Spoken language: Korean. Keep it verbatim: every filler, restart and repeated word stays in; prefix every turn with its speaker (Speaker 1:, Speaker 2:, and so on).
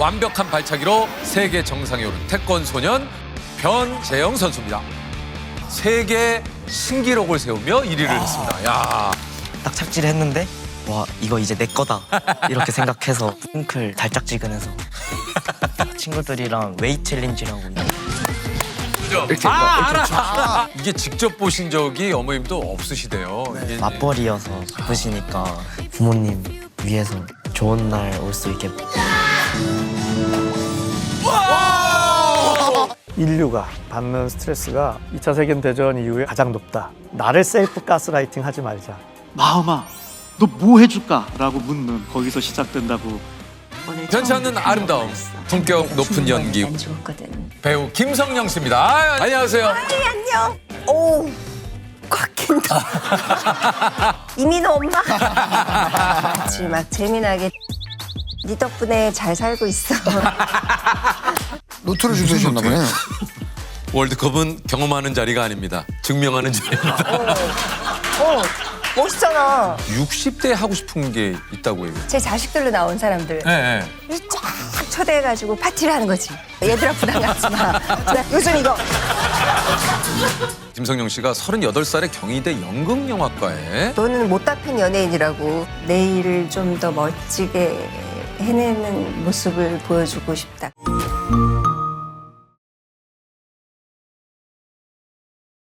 Speaker 1: 완벽한 발차기로 세계 정상에 오른 태권 소년 변재영 선수입니다. 세계 신기록을 세우며 일 위를 했습니다. 야,
Speaker 2: 딱 착지를 했는데 와 이거 이제 내 거다 이렇게 생각해서 뭉클 달짝지근해서 친구들이랑 웨이트 챌린지라고
Speaker 1: 이렇게 아, 알아. 아, 이게 직접 보신 적이 어머님도 없으시대요. 이게
Speaker 2: 맞벌이여서 바쁘시니까 부모님 위해서 좋은 날 올 수 있게
Speaker 3: 인류가 받는 스트레스가 이 차 세계대전 이후에 가장 높다. 나를 셀프 가스라이팅 하지 말자.
Speaker 4: 마음아, 너 뭐 해줄까? 라고 묻는 거기서 시작된다고.
Speaker 1: 변치 않는 아름다움, 품격 높은 연기 배우 김성령 씨입니다. 아, 안녕하세요.
Speaker 5: 아이, 안녕. 오, 꽉 낀다. 이민호 엄마. 같이 막 재미나게 네 덕분에 잘 살고 있어.
Speaker 6: 노트를 준비하셨나 보네.
Speaker 1: 월드컵은 경험하는 자리가 아닙니다. 증명하는 자리입니다.
Speaker 5: 어, 멋있잖아.
Speaker 1: 육십 대 하고 싶은 게 있다고 해요.
Speaker 5: 제 자식들로 나온 사람들
Speaker 1: 네, 네.
Speaker 5: 쫙 초대해가지고 파티를 하는 거지. 얘들아 부담 갖지 마. 나 요즘 이거.
Speaker 1: 김성령 씨가 서른여덟 살에 경희대 연극영화과에
Speaker 5: 너는 못다 팬 연예인이라고 내일을 좀 더 멋지게 해내는 모습을 보여주고 싶다.